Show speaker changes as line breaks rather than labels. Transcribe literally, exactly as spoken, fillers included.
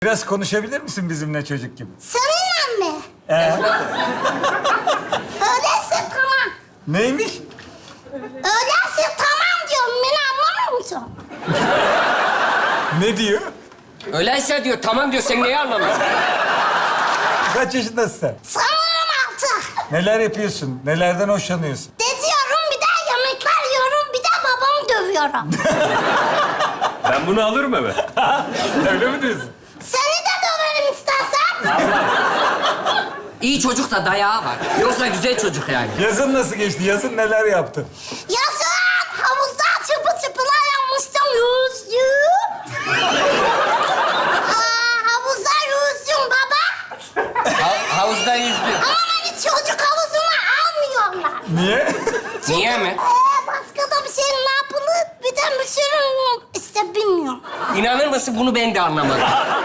Biraz konuşabilir misin bizimle çocuk gibi?
Seninle mi?
Ee,
Öyleyse tamam.
neymiş?
Öyleyse tamam diyorum. Beni anlamıyor musun?
Ne diyor?
Öyleyse diyor, tamam diyor. Sen neyi anlamıyorsun?
Kaç yaşındasın sen?
Sanırım altı.
Neler yapıyorsun? Nelerden hoşlanıyorsun?
Geziyorum, bir de yemekler yiyorum, bir de babamı dövüyorum.
Ben bunu alırım eve.
Öyle mi diyorsun?
Seni de döverim istersen.
İyi çocuk da dayağı var. Yoksa güzel çocuk yani.
Yazın nasıl geçti? Yazın neler yaptın?
Yazın havuzda çıpı çıpılar yapmıştım. Yüzdüm. Aa, havuzda yüzdüm baba.
Ha- havuzda yüzdü.
Ama beni çocuk havuzuna almıyorlar.
Niye?
Niye mi?
Ee, başka da bir şey ne yapılır? Bir de bir şey işte bilmiyorum.
İnanır mısın bunu ben de anlamadım.